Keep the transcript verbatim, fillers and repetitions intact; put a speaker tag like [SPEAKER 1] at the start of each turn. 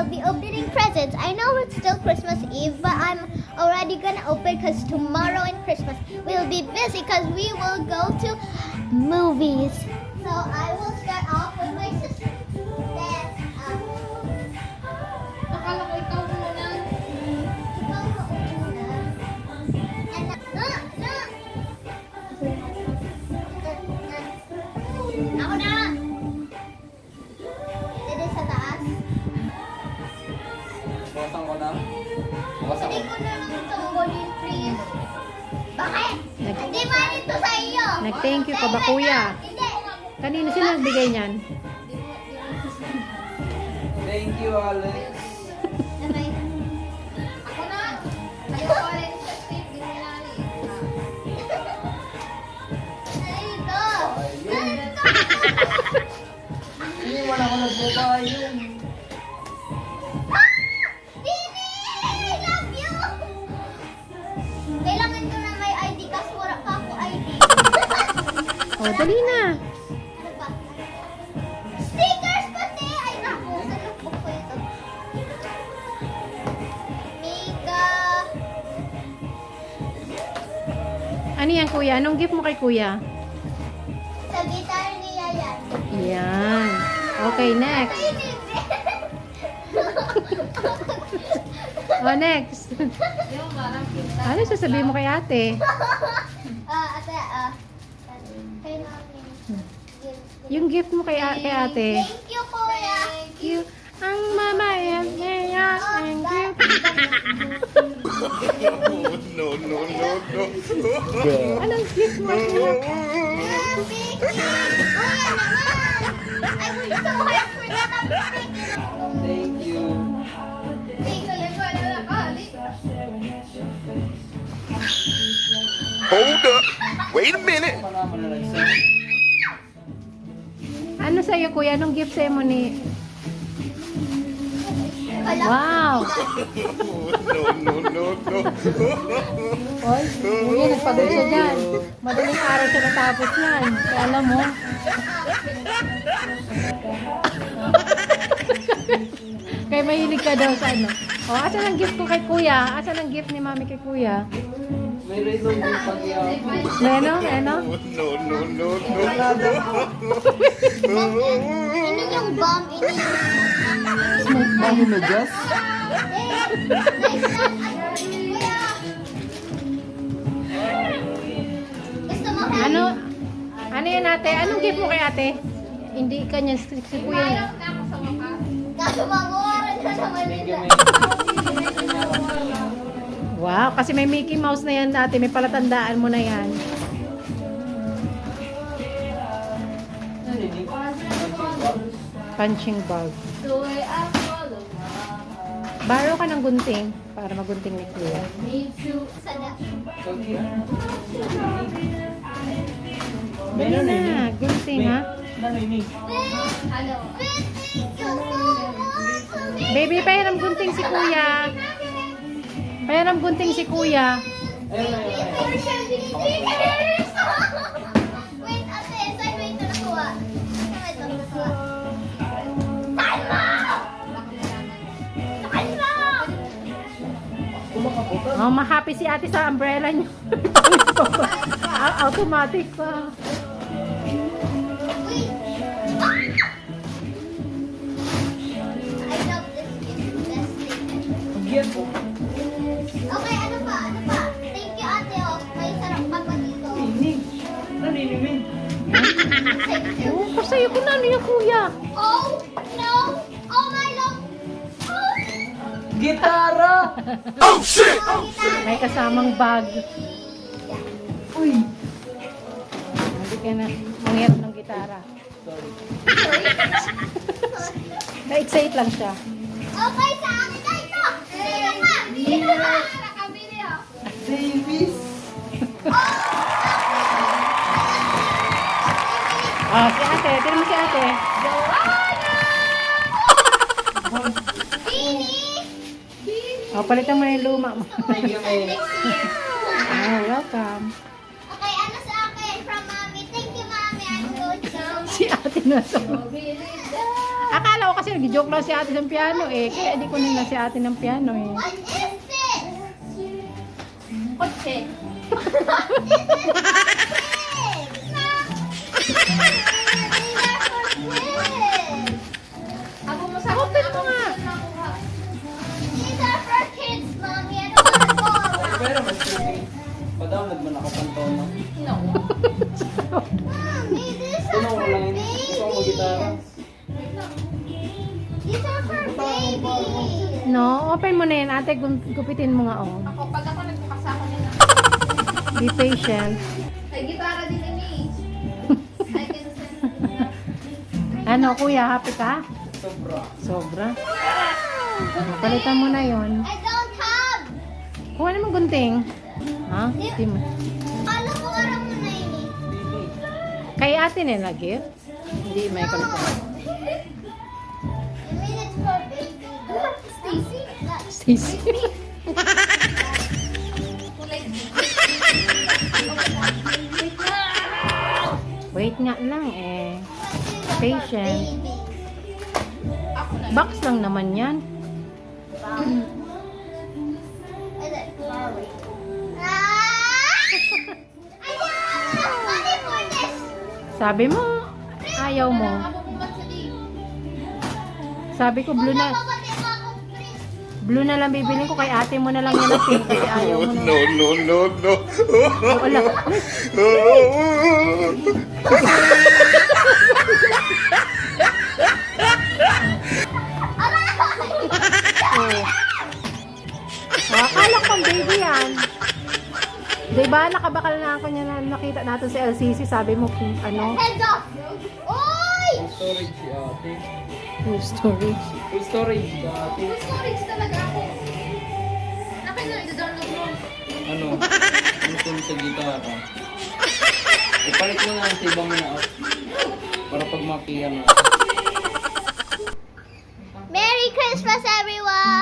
[SPEAKER 1] be opening presents. I know it's still Christmas Eve, but I'm already gonna open because tomorrow and Christmas we'll be busy because we will go to movies. So I will start off with my sister. Then, um,
[SPEAKER 2] Akala ko ikaw muna.
[SPEAKER 1] ikaw ka una. And, uh, uh, uh. Ako na! Dito sa taas.
[SPEAKER 3] Buksan ko na. Buksan
[SPEAKER 1] Hindi
[SPEAKER 3] ko.
[SPEAKER 1] ko na lang tungkulin, please. Bakit?
[SPEAKER 4] Nag-
[SPEAKER 1] Hindi man ito sa iyo.
[SPEAKER 4] Nag-thank you ka ba, kuya?
[SPEAKER 1] Hindi.
[SPEAKER 4] Kanino sila nagbigay niyan?
[SPEAKER 3] Thank you, Alex.
[SPEAKER 1] Okay.
[SPEAKER 2] Ako na. Kayo ko rin sa Steve. Di mo nilali.
[SPEAKER 1] Ito.
[SPEAKER 3] Ayun. Iniwan ako nagbuka yun.
[SPEAKER 1] Ah! Dini! I love you! Kailangan ko na may I D kasi wala pa ako I D.
[SPEAKER 4] Oh, dali na.
[SPEAKER 1] Ano pa? Stickers pati! Ay, naku. Sa notebook ko ito. Mika.
[SPEAKER 4] Ano yan, kuya? Anong gift mo kay kuya?
[SPEAKER 1] Sa guitar niya yan.
[SPEAKER 4] Yan. Okay, next.
[SPEAKER 1] Ay, hindi.
[SPEAKER 4] Oh, next.
[SPEAKER 2] Yung parang kita.
[SPEAKER 4] Ano sasabihin mo kay ate?
[SPEAKER 1] Ah, ate, ah. Kay namin.
[SPEAKER 4] Yung gift mo kay, a- kay ate.
[SPEAKER 1] Thank you, kuya.
[SPEAKER 4] Thank you. Ang mama yan. Yeah, thank you.
[SPEAKER 5] No, no, no, no.
[SPEAKER 4] Anong gift mo? kuya?
[SPEAKER 1] Thank you. Kuya naman. I worked so hard for that. I'm freaking
[SPEAKER 3] Thank you.
[SPEAKER 1] Thank you.
[SPEAKER 2] Ito ay wala ka. Ali.
[SPEAKER 5] Hold up. Wait a minute.
[SPEAKER 3] Ako naman na nagsan.
[SPEAKER 4] Ano sa'yo, kuya? Anong gift sa'yo mo ni...
[SPEAKER 1] Kala-
[SPEAKER 4] Wow!
[SPEAKER 5] No, no, no, no.
[SPEAKER 4] Oy, kuya, nagpagod siya dyan. Madaling araw siya natapos yan. Kaya alam mo. Kaya mahilig ka daw sa ano. O, oh, asan ang gift ko kay kuya? Asan ang gift ni mami kay kuya?
[SPEAKER 3] May rhythm din pag iyak.
[SPEAKER 4] Meno? Meno?
[SPEAKER 5] No, no, no, no.
[SPEAKER 1] Ano yung bomb? Ano yung...
[SPEAKER 3] Smoke bomb mo, Jess?
[SPEAKER 1] Eh, nice lang. Kuya. Gusto mo ka?
[SPEAKER 4] Ano? Ano yan ate? Anong gift mo kay ate? Hindi kanya si, si kuya niya.
[SPEAKER 2] Mayroon na ako sa wakas.
[SPEAKER 1] Kaso mamuwaran na naman
[SPEAKER 3] Thank you,
[SPEAKER 1] nila.
[SPEAKER 3] man.
[SPEAKER 4] Wow, kasi may Mickey Mouse na yan ate. May palatandaan mo na yan.
[SPEAKER 3] Narinig.
[SPEAKER 4] Punching bag.
[SPEAKER 2] Tuloy ako lumama.
[SPEAKER 4] Borrow ka ng gunting para magunting ni kuya.
[SPEAKER 2] Need to.
[SPEAKER 1] Sana.
[SPEAKER 3] Okay.
[SPEAKER 4] Dali na, gunting ha.
[SPEAKER 3] Narinig.
[SPEAKER 2] Ano?
[SPEAKER 1] Thank you so much.
[SPEAKER 4] Baby, pahiram gunting si kuya. Pahiram gunting si kuya.
[SPEAKER 3] Ayun, ayun, ayun.
[SPEAKER 1] For seventy-three years. Wait, ate, saan mo ito nakuha? Saan ito nakuha? Saan mo? Saan mo?
[SPEAKER 3] Kumakaputan.
[SPEAKER 4] Oh, ma-happy si ate sa umbrella niyo. Au- Automatic pa.
[SPEAKER 1] Wait. Ah! I love this gift. Best thing ever.
[SPEAKER 3] Pagyan po.
[SPEAKER 1] Okay, ano pa? Ano pa? Thank you, ate. Oh. May sarap pa pa dito.
[SPEAKER 3] Narinig. Narinig.
[SPEAKER 1] Thank you.
[SPEAKER 4] Oh, kasayo ko na ano yung kuya.
[SPEAKER 1] Oh, no. Oh, my love. Oh.
[SPEAKER 3] Gitara!
[SPEAKER 5] Oh, shit!
[SPEAKER 1] Oh, gitara.
[SPEAKER 4] May kasamang bag.
[SPEAKER 3] Uy!
[SPEAKER 4] Hindi ka na mangyari ng gitara.
[SPEAKER 3] Sorry.
[SPEAKER 4] Na-excite lang siya.
[SPEAKER 1] Okay, sa akin na ito. Sino ka? Sino ka?
[SPEAKER 2] Nakabili ako.
[SPEAKER 3] Davis!
[SPEAKER 4] Ah, si ate. Tira mo si ate.
[SPEAKER 1] Bini.
[SPEAKER 4] Oh, palitan mo na yung luma mo.
[SPEAKER 3] Thank you, May.
[SPEAKER 1] Next year.
[SPEAKER 4] Oh, welcome.
[SPEAKER 1] Okay, ano sa akin? From mommy. Thank you, mommy. I'm good. So,
[SPEAKER 4] Si ate na to.
[SPEAKER 2] Bili
[SPEAKER 4] Akala ako kasi nag-joke lang si ate sa piano eh. Kaya di ko nila si ate ng piano eh.
[SPEAKER 1] What is this?
[SPEAKER 2] Kotse. Ako mo sa
[SPEAKER 4] Open mo nga.
[SPEAKER 1] These are for kids, Mommy. I don't want to go around.
[SPEAKER 3] Pero mas creepy. Pa-download man ako pang tono.
[SPEAKER 2] No.
[SPEAKER 1] Mommy, these
[SPEAKER 3] Tuno
[SPEAKER 1] are
[SPEAKER 3] ko
[SPEAKER 1] for
[SPEAKER 3] lang yun. Gusto ko mag-gitara.
[SPEAKER 1] babies. These are for babies.
[SPEAKER 4] No, open mo na yan ate. Gu- Gupitin mo nga oh.
[SPEAKER 2] Ako, pag ako nagbukas ako nila.
[SPEAKER 4] Be patient.
[SPEAKER 2] May gitara din ini. I can send.
[SPEAKER 4] Ano kuya, happy ka?
[SPEAKER 3] Sobra.
[SPEAKER 4] Sobra. Ano, palitan mo na yon.
[SPEAKER 1] I don't have.
[SPEAKER 4] Kuha naman gunting. Ha? Di mo.
[SPEAKER 1] Kala ko aram mo na ini.
[SPEAKER 4] Kay ate nila gift? Hindi, may
[SPEAKER 1] No.
[SPEAKER 4] kulit.
[SPEAKER 1] I mean it's for baby. Stacy?
[SPEAKER 4] Stacy.
[SPEAKER 2] Kulay
[SPEAKER 4] Wait nga lang eh. Patient.
[SPEAKER 2] Ako na.
[SPEAKER 4] Box lang naman yan.
[SPEAKER 1] Is it Ferrari? Ah! I don't have money for this.
[SPEAKER 4] Sabi mo, ayaw mo.
[SPEAKER 2] Ako pumat sa di.
[SPEAKER 4] Sabi ko blue na. Blue na lang bibilin ko kay ate mo na lang yan na pink kasi ayaw mo na.
[SPEAKER 5] No, no, no, no.
[SPEAKER 4] Wala. Oh. Ah, akala ko pang baby yan. Diba nakabakal na ako niya na nakita natin sa L C C. Sabi mo kung ano,
[SPEAKER 1] Heads off. Oy!
[SPEAKER 3] Full storage si ate.
[SPEAKER 4] full storage.
[SPEAKER 3] Full storage si ate.
[SPEAKER 2] Full storage talaga ako. Nakin na, i-download mo.
[SPEAKER 3] Ano? Ano kung sa gitara? Ipalit mo na sa ibang na out. Para pag makiyan na.
[SPEAKER 1] Merry Christmas, everyone!